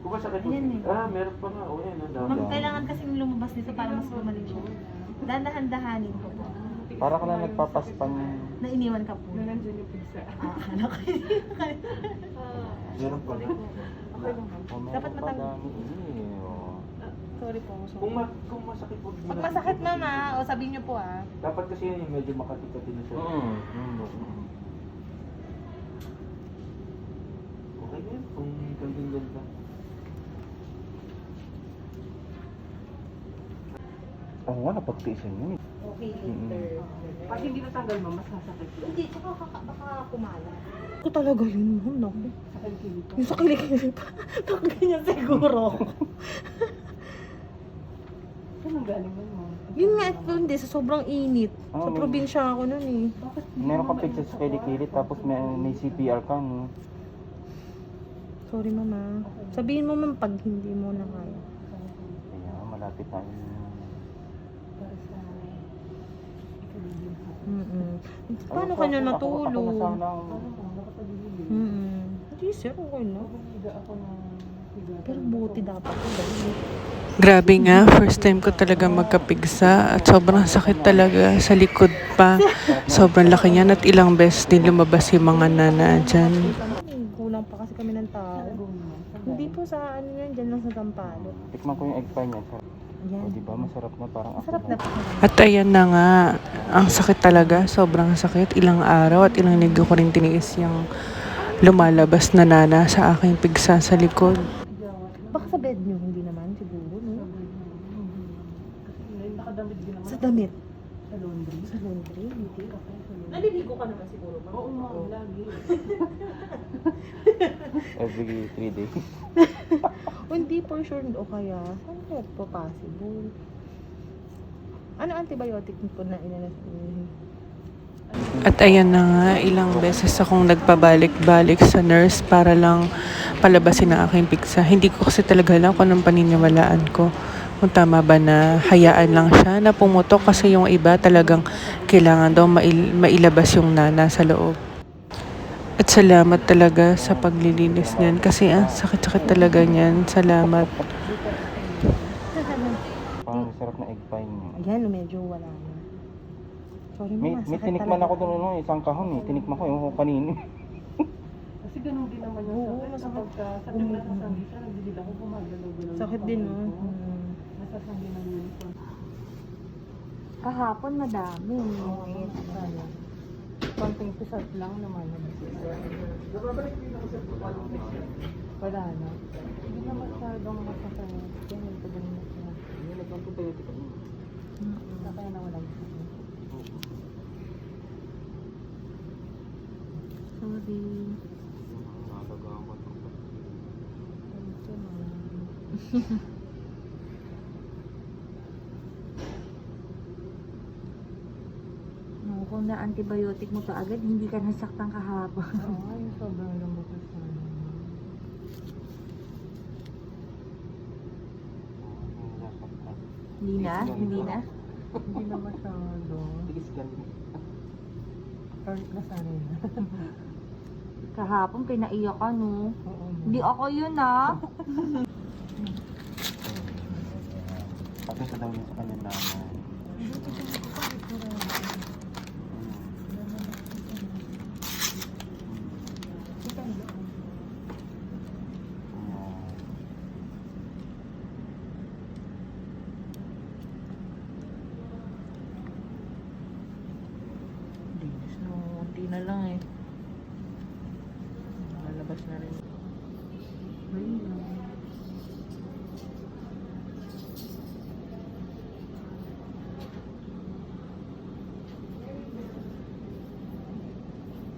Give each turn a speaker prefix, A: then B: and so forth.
A: Kung masakit po.
B: Ayan eh.
A: Meron pa nga. O yan, ang dami.
B: Kailangan kasing lumabas nito para mas gumaling siya. Dadahan-dahanin ko po.
C: Para ka lang nagpapaspan.
B: Na iniwan ka po.
D: Nandiyan yung pizza.
B: Ano kayo?
A: Meron pa nga.
B: Dapat
C: matanggal.
B: Sorry po.
A: Kung masakit po.
B: Pag masakit mama, o sabihin niyo po
A: Dapat kasi yan yung medyo makati-kati na siya. Okay yan, kung kandang ka.
C: Oo nga, napagtiisan yun.
B: Okay, later.
D: Pag hindi natanggal mo, mas sasakit yun.
B: Hindi, tsaka baka kumala. Ko talaga yun, naku.
D: Sa kilikili.
B: Yung sa kilikili pa. Ganyan siguro.
D: Saan ang galing mo?
B: Yun nga, hindi, sa sobrang init. Sa
C: Oh.
B: probinsya ako nun eh.
C: Meron ka picture sa kilikili tapos may CPR ka, no?
B: Sorry mama. Sabihin mo man pag hindi mo na kaya.
C: Kaya malapit na yun.
D: Para sa ikaligin sa
B: Paano kanya
C: Ako
B: natulog?
C: nasanang...
D: nakapagigilid.
B: Hindi sir, okay na.
D: Higa ako ng higa.
B: Pero buti dapat ko dahil.
E: Grabe nga, first time ko talaga magkapigsa at sobrang sakit talaga sa likod pa. Sobrang laki niyan at ilang beses din lumabas yung mga nana dyan.
B: Kulang pa kasi kami ng tao. Hindi po sa ano yan, dyan lang sa Tampalo.
C: Tikman ko yung egg pie niya. O
B: Ayan.
C: diba, masarap na parang ako.
B: Masarap na po.
E: At ayan na nga, ang sakit talaga, sobrang sakit. Ilang araw at ilang linggo ko rin tiniis yung lumalabas na nana sa aking pigsa sa likod.
B: Baka sa bed nyo, hindi naman siguro, no?
D: Nakadamit din naman
B: Sa damit.
D: sa laundry.
B: Sa laundry, hindi.
D: Okay, sa laundry.
B: Naliligo ka naman siguro, ma'am.
D: Oo, ma'am, lagi.
C: Every 3 days.
B: O hindi for sure, o kaya, saan kaya po possible? Ano antibiotic po na inanas?
E: At ayan na nga, ilang beses akong nagpabalik-balik sa nurse para lang palabasin ang aking pigsa. Hindi ko kasi talaga alam kung anong paniniwalaan ko. Kung tama ba na hayaan lang siya na pumutok kasi yung iba talagang kailangan daw mailabas yung nana sa loob. At salamat talaga sa paglilinis niyan kasi sakit-sakit talaga niyan. Salamat.
C: Parang sarap na egg pie niya.
B: Ayan, medyo wala na. Sorry
C: May
B: mama, sakit
C: tinikman
B: talaga.
C: ako doon, no, isang kahon eh. Tinikman ko yung kanino.
D: Kasi ganun din naman yung
B: Oo,
D: sakit.
B: masakit.
D: Kapag sa tingnan sa sanggisa, nagdilid ako, gumagalaw-galaw.
B: Sakit din, no?
D: Nasasanggi ng uniform.
B: Kahapon madami.
D: Konting pisat lang naman. Wala na. Hindi na masyadong masakit. Ganyan pa din na siya. Kaya na walang sakit.
B: Sorry.
F: No, kung na antibiotic mo to agad, hindi ka nasaktan kahapon.
D: Oo, yung sobrang lambot na siya.
F: Hindi na? Hindi na?
D: Hindi na masyado. Kahit nasanay na.
F: Kahapon, pinaiyak ka, no?
D: Oo.
F: Hindi ako yun, ah.
C: Tapos sa daw yun sa kanya naman.
B: Linis na, unti na lang eh. Lalabas na rin.